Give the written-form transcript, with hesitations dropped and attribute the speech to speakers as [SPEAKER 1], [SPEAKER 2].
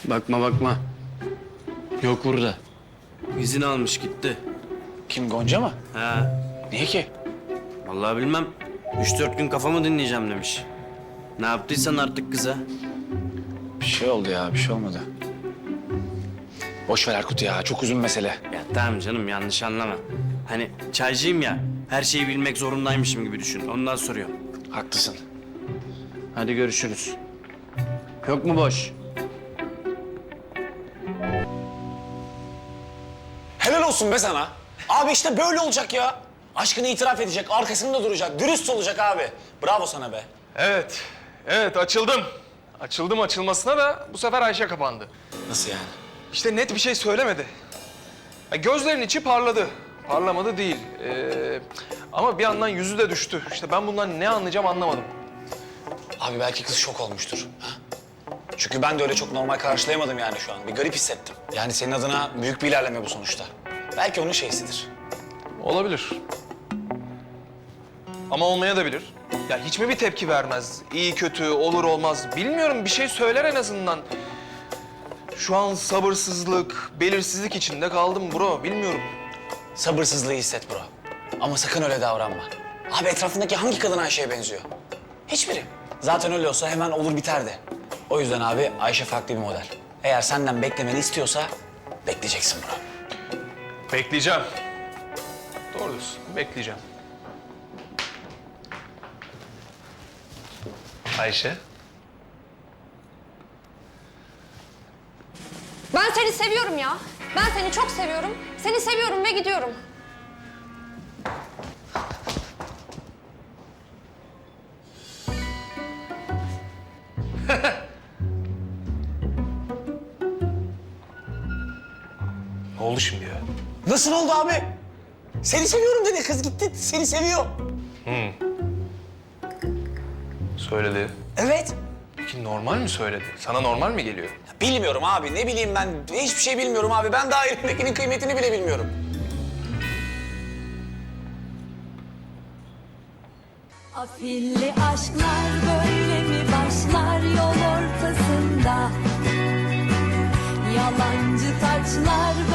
[SPEAKER 1] Bakma bakma. Yok burada. İzin almış gitti.
[SPEAKER 2] Kim, Gonca mı?
[SPEAKER 1] Ha.
[SPEAKER 2] Niye ki?
[SPEAKER 1] Vallahi bilmem. 3-4 gün kafamı dinleyeceğim demiş. Ne yaptıysan artık kıza.
[SPEAKER 2] Bir şey oldu ya, bir şey olmadı. Boş ver Erkut ya, çok uzun mesele.
[SPEAKER 1] Ya tamam canım, yanlış anlama. Hani çaycıyım ya, her şeyi bilmek zorundaymışım gibi düşün. Ondan soruyorum.
[SPEAKER 2] Haklısın.
[SPEAKER 1] Hadi görüşürüz. Yok mu boş?
[SPEAKER 2] Helal olsun be sana. Abi işte böyle olacak ya. Aşkını itiraf edecek, arkasında duracak, dürüst olacak abi. Bravo sana be.
[SPEAKER 3] Evet, evet açıldım. Açıldım açılmasına da bu sefer Ayşe kapandı.
[SPEAKER 2] Nasıl yani?
[SPEAKER 3] İşte net bir şey söylemedi. Ya gözlerinin içi parladı. Parlamadı değil. Ama bir yandan yüzü de düştü. İşte ben bundan ne anlayacağım anlamadım.
[SPEAKER 2] Abi belki kız şok olmuştur. Ha? Çünkü ben de öyle çok normal karşılayamadım yani şu an. Bir garip hissettim. Yani senin adına büyük bir ilerleme bu sonuçta. Belki onun şeysidir.
[SPEAKER 3] Olabilir. Ama olmaya da bilir. Ya hiç mi bir tepki vermez? İyi kötü, olur olmaz. Bilmiyorum, bir şey söyler en azından. Şu an sabırsızlık, belirsizlik içinde kaldım bro. Bilmiyorum.
[SPEAKER 2] Sabırsızlığı hisset bro. Ama sakın öyle davranma. Abi etrafındaki hangi kadın Ayşe'ye benziyor? Hiçbiri. Zaten öyle olsa hemen olur biterdi. O yüzden abi Ayşe farklı bir model. Eğer senden beklemeni istiyorsa bekleyeceksin bro.
[SPEAKER 3] Bekleyeceğim. Doğru diyorsun, bekleyeceğim. Ayşe.
[SPEAKER 4] Ben seni seviyorum ya. Ben seni çok seviyorum. Seni seviyorum ve gidiyorum.
[SPEAKER 3] Ne oldu şimdi ya?
[SPEAKER 2] Nasıl oldu abi? Seni seviyorum dedi kız gitti. Seni seviyor.
[SPEAKER 3] Söyledi.
[SPEAKER 2] Evet.
[SPEAKER 3] Peki normal mi söyledi? Sana normal mi geliyor?
[SPEAKER 2] Bilmiyorum abi. Ne bileyim ben. Hiçbir şey bilmiyorum abi. Ben daha elimdekinin kıymetini bile bilmiyorum.
[SPEAKER 5] Afilli aşklar böyle mi başlar yol ortasında? Yalancı taçlar